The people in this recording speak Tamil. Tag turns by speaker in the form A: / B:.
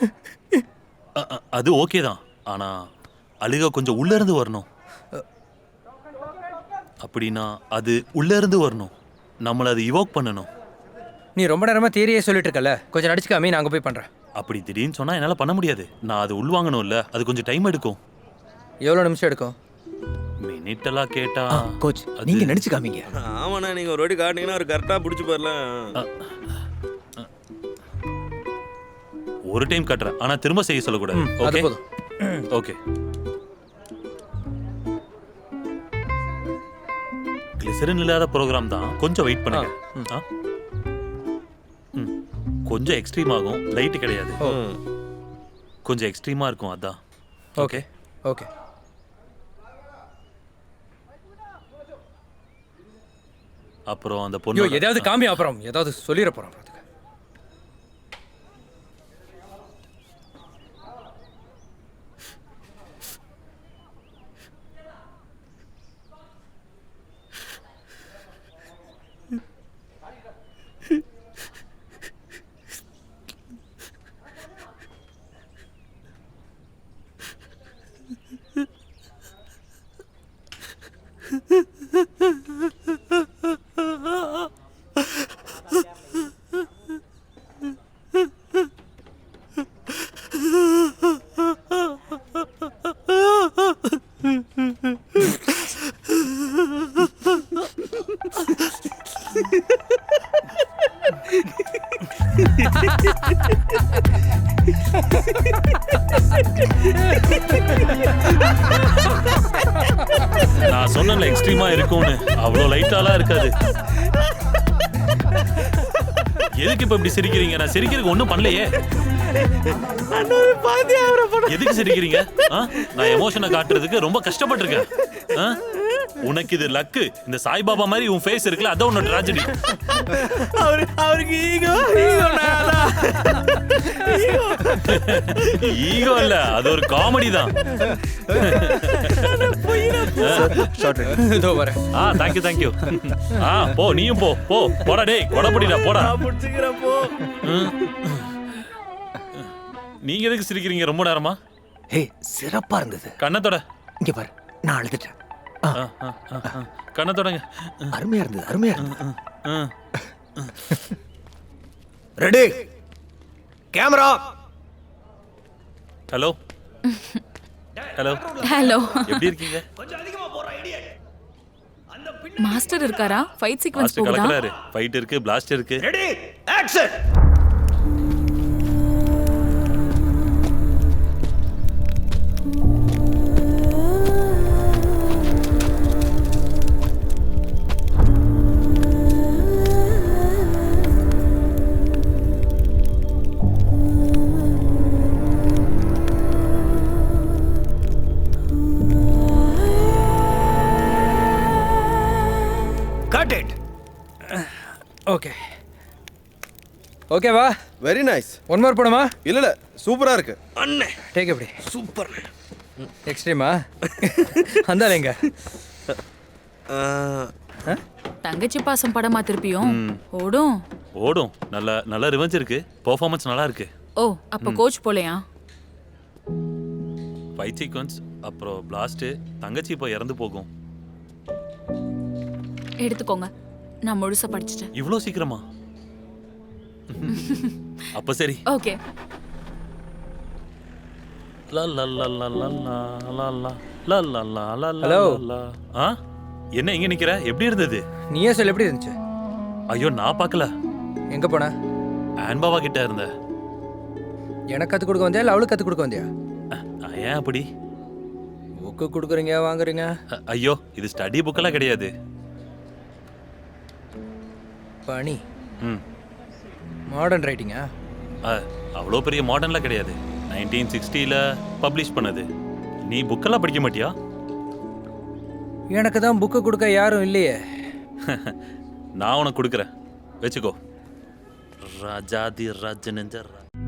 A: அது ஓகே தான். ஆனா அழுக கொஞ்சம் உள்ள இருந்து வரணும். அப்படின்னா அது உள்ள இருந்து வரணும். நம்மள அது இவோக் பண்ணணும்.
B: நீ ரொம்ப நேரமா தியரியே சொல்லிட்டு இருக்கல, கொஞ்சம் நடிச்சுக்காம நான் அங்க போய் பண்றேன்.
A: அப்படி திடீர்னு சொன்னா என்னால பண்ண முடியாது. நான் அது உள்வாங்கணும்ல, அது கொஞ்சம் டைம் எடுக்கும்.
B: எவ்வளவு நிமிஷம் எடுக்கும்?
A: மினிட் எல்லாம் கேட்டா
C: கோச் நீங்க நடிச்சு காமிங்க.
D: ஆமாண்ணா, நீங்க ஒரு வாட்டி காட்டினீங்கன்னா அவர் கரெக்டா பிடிச்சி போயிடலாம்.
A: ஒரு டைம் கட்டுறேன், ஆனா திரும்ப செய்ய சொல்லக்கூடாது.
B: அது
A: ஓகே
B: போதும்.
A: ஓகே. கிளிசரின் இல்லாத ப்ரோக்ராம் தான், கொஞ்சம் வெயிட் பண்ணுங்க. கொஞ்சம் எக்ஸ்ட்ரீம் ஆகும், லைட் கிடையாது. கொஞ்சம் எக்ஸ்ட்ரீமா இருக்கும், அதான்.
B: Okay okay.
A: அப்புறம் அந்த பொண்ணு
B: ஏதாவது காமி, அப்புறம் ஏதாவது சொல்லிட போறோம்.
A: நான் சொன்னல எக்ஸ்ட்ரீமா இருக்கும்னு, அவ்வளோ லைட்டாலாம் இருக்காது. எதுக்கு இப்ப இப்படி சிரிக்கிறீங்க? நான் சிரிக்கிறதுக்கு ஒண்ணும் பண்ணலையே. எதுக்கு சிரிக்கிறீங்க? நான் எமோஷனை காட்டுறதுக்கு ரொம்ப கஷ்டப்பட்டிருக்கேன். உனக்கு இது லக்கு. இந்த சாய்பாபா மாதிரி உன் ஃபேஸ் இருக்குல்ல, அதான் உன்னோட ட்ராஜடி.
D: அவருக்கு ஈகோ
A: ஈகோ இல்ல, அது ஒரு காமெடி தான். Thank you thank you. போ, நீயும் போ. போடா டேய், கொடபடிடா, போடா. நீங்க எதுக்கு சிரிக்கிறீங்க ரொம்ப நேரமா?
C: ஹே, சிறப்பா இருந்தது.
A: கண்ணத்தோட
C: இங்க பாரு, நான் அழுதுட்டேன்.
A: கண்ணத்தோடங்க.
C: அருமையா இருந்தது. Ready, camera.
A: Hello hello
E: hello,
A: எப்படி இருக்கீங்க?
E: மாஸ்டர் இருக்காரா? ஃபைட் சீக்வென்ஸ்
A: மாஸ்டர்
E: போகுதா?
A: கலக்குறாரு. ஃபைட் இருக்கு, பிளாஸ்ட் இருக்கு.
D: Ready, action.
B: Cut it. Okay ஓகேவா?
D: Very nice.
B: ஒன் மோர் போடுமா?
D: இல்ல சூப்பரா இருக்கு அண்ணே.
B: டேக் எப்படி?
D: சூப்பர்.
B: எக்ஸ்ட்ரீமா? அந்தாலேங்க.
E: தங்கச்சி பாசம் படமா திருப்பியும் ஓடும்.
A: ஓடும். நல்ல ரிவெஞ்ச் இருக்கு. பெர்ஃபார்மன்ஸ் நல்லா இருக்கு.
E: ஓ, அப்ப கோச் போலையா?
A: ஃபைட் சீக்வென்ஸ், அப்புறம் பிளாஸ்ட், தங்கச்சி இப்போ இறந்து போகும்.
E: எடுத்துக்கோங்க, நான் முழுசா படிச்சிட்டேன்.
A: இவ்ளோ சீக்கிரமா? அப்ப சரி.
E: ஓகே.
B: ஹலோ.
A: என்ன இங்க நிக்கிற? எப்படி இருந்தது?
B: நீயே சொல்ல, எப்படி இருந்துச்சு?
A: ஐயோ, நான் பார்க்கல.
B: எங்க போன?
A: ஆன்பாவா கிட்ட இருந்த.
B: எனக்கு கத்து கொடுக்க வந்தியா இல்ல அவளுக்கு கத்து கொடுக்க வந்தியா?
A: ஏன் அப்படி?
B: புக்கு கொடுக்குறீங்க, வாங்குறீங்க.
A: ஐயோ, இது ஸ்டடி புக்கெல்லாம் கிடையாது.
B: பணி மாடர்ன் ரைட்டிங்கா?
A: அவ்வளோ பெரிய மாடர்ன்லாம் கிடையாது. 1960ல பப்ளிஷ் பண்ணது. நீ புக்கெல்லாம் படிக்க மாட்டியா?
B: எனக்கு தான் புக்கு கொடுக்க யாரும் இல்லையே.
A: நான் உனக்கு கொடுக்குறேன், வச்சுக்கோ. ராஜாதி ராஜனஞ்சர்.